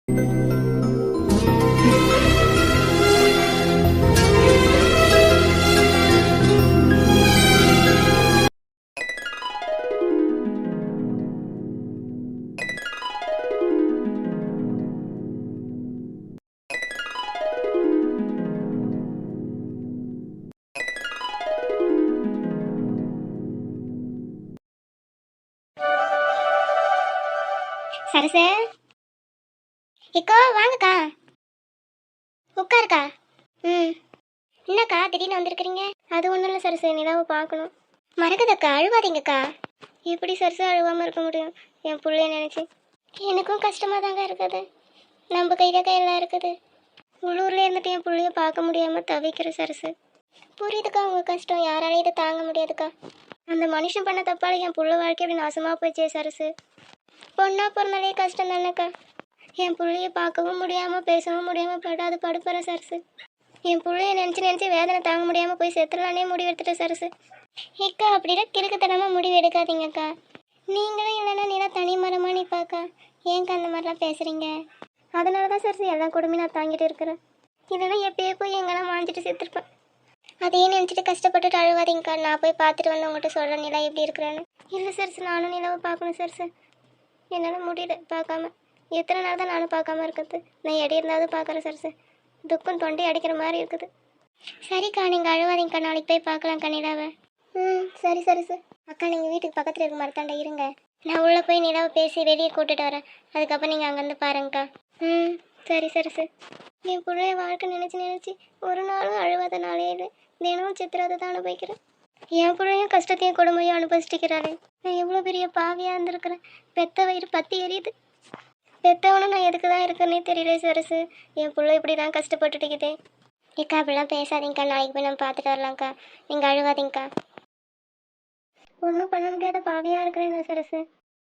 Sarasu eco வாங்கக்கா, உட்காருக்கா. என்னக்கா திடீர்னு வந்திருக்கிறீங்க? அது ஒன்றும் இல்லை சரசு, நிலாவை பார்க்கணும். மறக்குதக்கா, அழுவாதீங்கக்கா. எப்படி சரசு அழுவாமல் இருக்க முடியும்? என் பிள்ளைய நினச்சி எனக்கும் கஷ்டமாக தாங்க இருக்குது. நம்ம கையில் கையெல்லாம் இருக்குது. உள்ளூரில் இருந்துட்டு என் பிள்ளைய பார்க்க முடியாமல் தவிக்கிற சரசு. புரியுதுக்கா உங்கள் கஷ்டம், யாராலையும் இதை தாங்க முடியாதுக்கா. அந்த மனுஷன் பண்ண தப்பால் என் பிள்ளை வாழ்க்கை அப்படி நாசமாக போயிடுச்சே சரசு. பொண்ணா பிறந்தாலே கஷ்டம் தானேக்கா. என் பிள்ளைய பார்க்கவும் முடியாமல் பேசவும் முடியாமல் படாது படுப்புற சரசு. என் பிள்ளைய நினச்சி வேதனை தாங்க முடியாமல் போய் செத்துலானே முடிவு எடுத்துட்டேன் சரசு. ஏக்கா அப்படிலாம் கிறுக்குத்தனமாக முடிவு எடுக்காதீங்கக்கா. நீங்களும் இல்லைன்னா நீனா தனி மரமாக நிற்பாக்கா. ஏன்க்கா அந்த மாதிரிலாம் பேசுகிறீங்க? அதனால தான் சரசு எல்லா கொடுமையும் நான் தாங்கிட்டு இருக்கிறேன். இல்லைன்னா எப்பயே போய் எங்கெல்லாம் வாங்கிட்டு செத்துருப்பேன். அதையே நினச்சிட்டு கஷ்டப்பட்டுட்டு அழுவாதீங்கக்கா. நான் போய் பார்த்துட்டு வந்து உங்கள்கிட்ட சொல்கிறேன் நிலா எப்படி இருக்கிறேன்னு. இல்லை சரசு, நானும் நிலாவை பார்க்கணும் சரசு. என்னால் முடியல பார்க்காம. எத்தனை நாள் தான் நானும் பார்க்காம இருக்கிறது? நான் எடி இருந்தாவது பார்க்குறேன் சரசு. துக்கம் தொண்டை அடிக்கிற மாதிரி இருக்குது. சரிக்கா, நீங்கள் அழுவாதீங்கக்கா. நாளைக்கு போய் பார்க்கலாம்க்கா நிலாவை. சரி சரசு. அக்கா நீங்கள் வீட்டுக்கு பக்கத்தில் இருக்க மரத்தாண்ட இருங்க. நான் உள்ளே போய் நிலாவை பேசி வெளியே கூட்டிட்டு வரேன். அதுக்கப்புறம் நீங்கள் அங்கேருந்து பாருங்கக்கா. சரி சரசு. என் பிள்ளைய வாழ்க்கை நினச்சி ஒரு நாளும் அழுவாத நாளே இல்லை. தினமும் சித்திரத்தை தான் அனுபவிக்கிறேன். என் பிள்ளையும் கஷ்டத்தையும் கொடுமையும் அனுபவிச்சிட்டிக்கிறாளே. நான் எவ்வளோ பெரிய பாவியாக இருந்திருக்கிறேன். பெத்த வயிறு பற்றி எரியுது. பெத்தவனும் நான் எதுக்கு தான் இருக்கேன்னே தெரியல சரசு. என் பிள்ளை இப்படி தான் கஷ்டப்பட்டுட்டுக்குதே. ஏக்கா அப்படிலாம் பேசாதீங்கக்கா. நாளைக்கு போய் நம்ம பார்த்துட்டு வரலாம்க்கா. நீங்கள் அழுவாதீங்கக்கா. ஒன்றும் பண்ண முடியாத பாவியாக இருக்கிறேன் சரசு.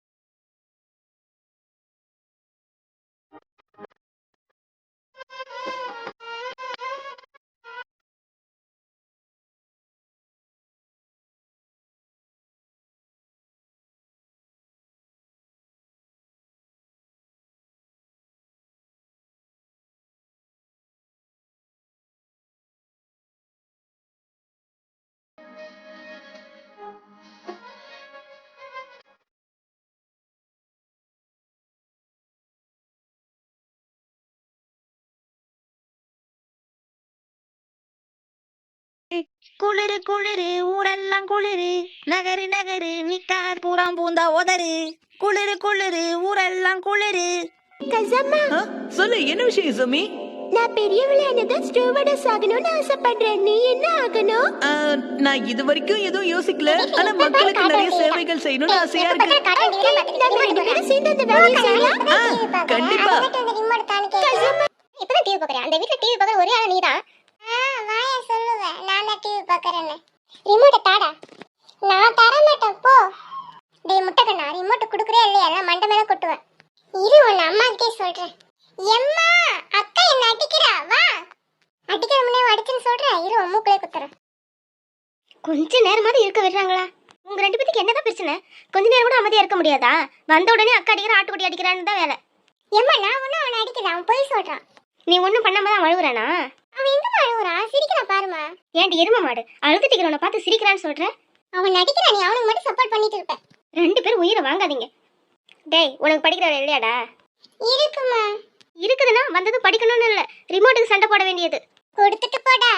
குளிரு குளிரு ஊரெல்லாம் குளிரு, நகரு நகரு நிக்கார் பூராம் பூந்தா உதறு. குளிரு குளிரு ஊரெல்லாம் குளிரு. கசம்மா, சொல்லு, என்ன விஷயம் சமி? நான் பெரிய விளையாடுதான் ஸ்டூவர்டஸ் ஆகணும்னு ஆசைப்படுறேன். நீ என்ன ஆகணும்? நான் இது வரைக்கும் எதுவும் யோசிக்கல. ஆனா மக்களுக்கு நிறைய சேவைகள் செய்யணும்னு ஆசையா இருக்கு. நம்ம ரெண்டு பேரும் சேர்ந்து அந்த வேலையை செய்யலாம். கண்டிப்பா. இப்பதான் டிவி பார்க்குறேன். அந்த வீட்டில் டிவி பார்க்குற ஒரே ஆள் நீதான். வாயா சொல்லுவேன், நான் தான் டிவி பார்க்குறேன்னு. ரிமோட்டை தாடா. நான் தர மாட்டேன் போ. டேய் முட்டைக்கண்ணா, ரிமோட்டை கொடுக்குறே இல்லையா? எல்லாம் மண்டை மேலே கொட்டுவேன். இரு, உன் அம்மா கிட்டே சொல்கிறேன். எம்மா, அக்கா என்ன அடிக்கிறா. வா, அடிக்கிற முன்னே அடிச்சுன்னு சொல்கிறேன். இரு, உன் மூக்கிலே குத்துறேன். கொஞ்ச நேரமாவது இருக்க விடுறாங்களா? உங்கள் ரெண்டு பேத்துக்கு என்னதான் பிரச்சனை? கொஞ்ச நேரம் கூட அமைதியாக இருக்க முடியாதா? வந்த உடனே அக்கா அடிக்கிற ஆட்டுக்குட்டி அடிக்கிறான்னு தான் வேலை. எம்மா, நான் ஒன்றும் அவனை அடிக்கல. அவன் போய் சொல்கிறான். நீ ஒன்றும் பண்ணாம தான் அழுகுறானா? அவன் எங்கம்மா அழுகுறான்? சிரிக்கிறான் பாருமா. ஏன்டி எரும மாடு, அழுதுட்டிக்கிறவனை பார்த்து சிரிக்கிறான்னு சொல்கிறேன். அவன் நடிக்கிறான், நீ அவனுக்கு மட்டும் சப்போர்ட் பண்ணிட்டு இருப்ப. ரெண்டு பேரும் உயிரை வாங்காதீங்க. டேய், உனக்கு படிக்கிற இல்லையாடா? இருக்குமா. இருக்குதுன்னா வந்தது படிக்கணும்னு இல்லை, ரிமோட்டுக்கு சண்டை போட வேண்டியது. கொடுத்துட்டு போடா.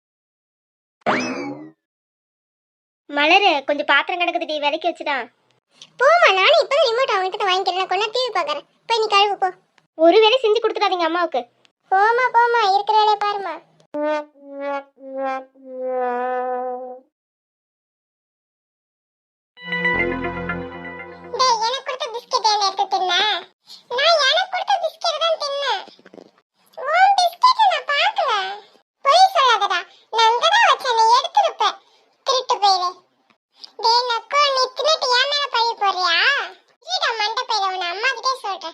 மலரு, கொஞ்சம் பாத்திரம் கிடக்குதுடி, விலைக்கு வச்சுதான். போமா, நானும் இப்போதான் ரிமோட் அவன்கிட்ட வாங்கிக்கிறேன். கொண்டா டிவி பார்க்குறேன். போய் நீ கழுவு போ. ஒரு வேலை செஞ்சு கொடுத்துடாதீங்க அம்மாவுக்கு. போமா போமா, இருக்கிற வேலையை பாருமா. டேய், எனக்கு கொடுத்த பிஸ்கட் என்ன எடுத்து தின்ன? நான் எனக்கு கொடுத்த பிஸ்கட் தான் தின்னேன். உன் பிஸ்கட் நான் பார்க்கல. போய் சொல்லாதடா. நான் அங்க தான் வச்சேன், நீ எடுத்துருப்ப. திருட்டு போயிரு. டேய் நக்கோ, நீ தின்னுட்டு ஏன் மேல பழி போறியா? இருடா மண்டை பையில, உன் அம்மா கிட்டே சொல்றேன்.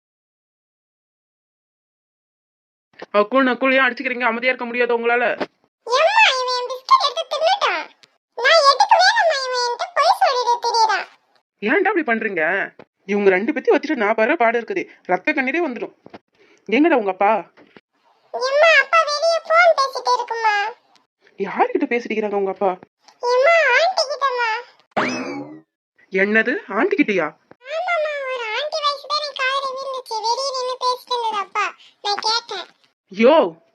அக்குள் நக்குள் அடிச்சுக்கிறீங்க, அமைதியா இருக்க முடியாது உங்களால? எம்மா, இவன் பிஸ்கட் எடுத்து தின்னுட்டான். நான் எடுக்கவே இல்லம்மா, இவன் என்கிட்ட போய் சொல்லிட்டு திரியறான். ஏன்டா அப்படி பண்றீங்க? இவங்க ரெண்டு பேத்தையும் வச்சுட்டு நான் பாரு பாடு இருக்குது. ரத்த கண்ணீரே வந்துடும். எங்கடா உங்க அப்பா? எம்மா அப்பா வெளிய போன் பேசிட்டு இருக்குமா. யார்கிட்ட பேசிட்டு இருக்காங்க உங்க அப்பா? எம்மா ஆண்டி கிட்டமா. என்னது ஆண்டி கிட்டயா? ஆமாமா, ஒரு ஆண்டி வாய்ஸ் தான் எனக்கு காதுல விழுந்துச்சு. வெளிய நின்னு பேசிட்டு இருந்தது அப்பா. நான் கேட்டேன். யோ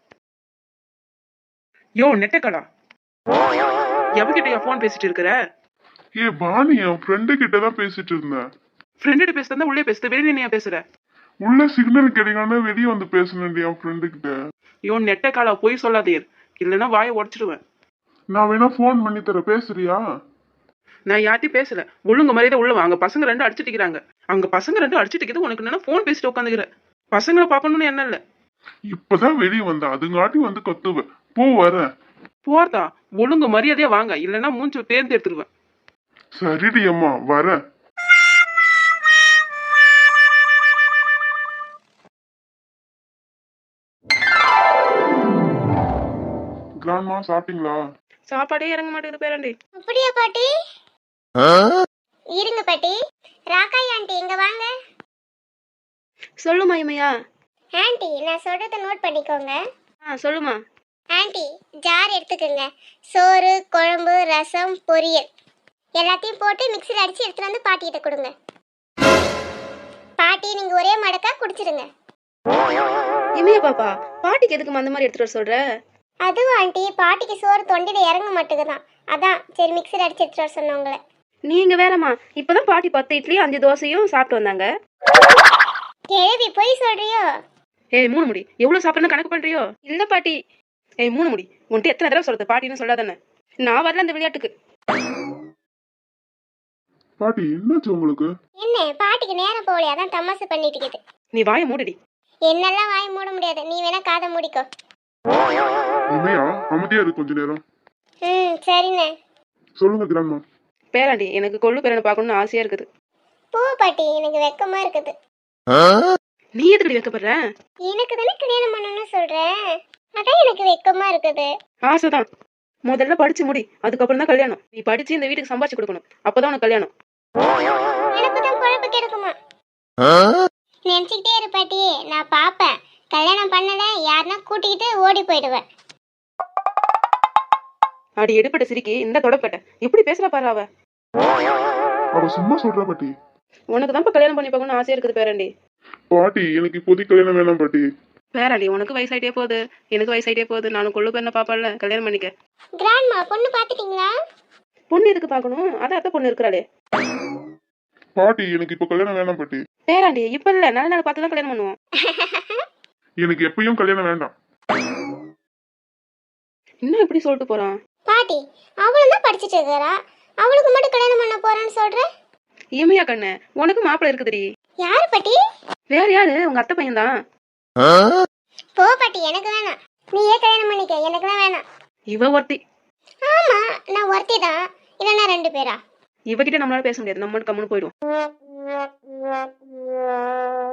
யோ நெட்டக்கடா, எவகிட்டயா போன் பேசிட்டு இருக்கிற? ஏ பானி, என் ஃப்ரெண்டு கிட்ட தான் பேசிட்டு இருந்தேன். ஃப்ரெண்டு பேசுறதா உள்ளே பேசுற, வெளியே நீ பேசுற? உள்ள சிக்னல் கிடைக்காம வெளியே வந்து பேசணுண்டி என் ஃப்ரெண்டு கிட்ட. யோ நெட்டக்காடா, போய் சொல்லாதீர், இல்லைன்னா வாயை உடச்சிடுவேன். நான் வேணா ஃபோன் பண்ணி தர, பேசுறியா? நான் யார்ட்டையும் பேசல. ஒழுங்கு மரியாதை உள்ள வாங்க. பசங்க ரெண்டு அடிச்சுட்டு இருக்கிறாங்க. அங்க பசங்க ரெண்டு அடிச்சுட்டு இருக்குது, உனக்கு என்னன்னா போன் பேசிட்டு உட்காந்துக்கிற? பசங்களை பார்க்கணும்னு என்ன இல்ல. இப்பதான் வெளியே வந்தேன், அதுங்காட்டி வந்து கத்துவேன். போ, வரேன். போறதா? ஒழுங்கு மரியாதையா வாங்க, இல்லைன்னா மூஞ்சி பேர்ந்து எடுத்துருவேன். சரிடி அம்மா, வரேன். கிராண்ட்மா சாப்பிட்டீங்களா? சாப்பாடே இறங்க மாட்டேங்குது பேரண்டி. அப்படியா பாட்டி? இருங்க பாட்டி. ராக்காய் ஆண்டி இங்க வாங்க. சொல்லுமா இமையா. ஆண்டி நான் சொல்றத நோட் பண்ணிக்கோங்க. சொல்லுமா. ஆண்டி ஜார் எடுத்துக்கோங்க. சோறு, குழம்பு, ரசம், பொரியல் எல்லாத்தையும் போட்டு மிக்ஸில் அடிச்சு எடுத்துட்டு வந்து பாட்டிகிட்ட கொடுங்க. பாட்டி நீங்க ஒரே மடக்கா குடிச்சிடுங்க. இமையா பாப்பா, பாட்டிக்கு எதுக்கு அந்த மாதிரி எடுத்துட்டு வர சொல்ற? அதுவும் ஆண்டி பாட்டிக்கு சோறு தொண்டையில இறங்க மாட்டேங்குதான். அதான் சரி மிக்ஸில் அடிச்சு எடுத்துட்டு வர சொன்னேன் உங்களை. நீங்க வேறம்மா, இப்பதான் பாட்டி 10 இட்லி 5 தோசையும் சாப்பிட்டு வந்தாங்க. கேள்வி போய் சொல்றியோ? ஏய் மூணு முடி, எவ்வளவு சாப்பிடணும் கணக்கு பண்றியோ? இல்ல பாட்டி. ஏய் மூணு முடி, உன்ட்டு எத்தனை தடவை சொல்றது பாட்டின்னு சொல்லாதானே? நான் வரல அந்த விளையாட்டுக்கு. பாட்டி என்னாச்சு உங்களுக்கு? என்ன பாட்டிக்கு நேரம் போகலையா? அதான் தமாசு பண்ணிட்டு இருக்குது. நீ வாயை மூடுடி. என்னெல்லாம் வாய் மூட முடியாது, நீ வேணா காதை மூடிக்கோ. இமையா, அமைதியா இருக்கு கொஞ்ச நேரம். சரிண்ணே. சொல்லுங்க கிராண்ட்மா. பேராண்டி, எனக்கு கொள்ளு பேரனை பார்க்கணும்னு ஆசையா இருக்குது. போ பாட்டி, எனக்கு வெக்கமா இருக்குது. நீ எதுக்கடி வைக்கப்படுற? எனக்கு தானே கல்யாணம் பண்ணணும்னு சொல்றேன், அதான் எனக்கு வெக்கமா இருக்குது. ஆசைதான். முதல்ல படிச்சு முடி, அதுக்கப்புறம் தான் கல்யாணம். நீ படிச்சு இந்த வீட்டுக்கு சம்பாதிச்சு கொடுக்கணும், அப்பதான் உனக்கு கல்யாணம். எனக்கு தான் குழப்ப கிடைக்குமா? நினைச்சுக்கிட்டே இரு பாட்டி, நான் பாப்பேன். கல்யாணம் பண்ணல யாருன்னா கூட்டிக்கிட்டு ஓடி போயிடுவேன். அடி எடுப்பட்ட சிரிக்கி இந்த தொடப்பட்ட எப்படி பேசுற பாரு அவ. அவ சும்மா சொல்றா பாட்டி. உனக்கு தான் கல்யாணம் பண்ணி பார்க்கணும்னு ஆசையா இருக்குது பேராண்டி. பாட்டி எனக்கு இப்போதைக்கு கல்யாணம் வேணாம் பாட்டி. பேராண்டி, உனக்கு வயசாயிட்டே போகுது, எனக்கு வயசாயிட்டே போகுது. நானும் கொள்ளு பேரனை பாப்பால, கல்யாணம் பண்ணிக்க. கிராண்ட்மா பொண்ணு பாத்துட்டீங்களா? பொண்ணு எதுக்கு பார்க்கணும்? அதான் அத்தை பொண்ணு இருக்கிறாளே. பாட்டி எனக்கு இப்ப கல்யாணம் வேணாம் பாட்டி. பேராண்டி, இப்ப இல்ல, நல்ல நாள் பார்த்து தான் கல்யாணம் பண்ணுவோம். எனக்கு எப்பயும் கல்யாணம் வேண்டாம். இன்னும் எப்படி சொல்லிட்டு போறான் பாட்டி? அவளும் தான் படிச்சுட்டு இருக்கிறா, அவளுக்கு மட்டும் கல்யாணம் பண்ண போறேன்னு சொல்ற? இமையா கண்ணு, உனக்கு மாப்பிள்ளை இருக்குதுடி. யாரு பாட்டி? வேற யாரு? உங்க அத்தை பையன் தான். போ பாட்டி, எனக்கு வேணாம். நீயே கல்யாணம் பண்ணிக்க, எனக்குலாம் வேணாம். இவ ஒருத்தி. ஆமா நான் ஒருத்தி தான், இல்லைன்னா 2 பேரா? இவகிட்ட நம்மளால பேச முடியாது, நம்ம கம்முன்னு போயிடுவோம்.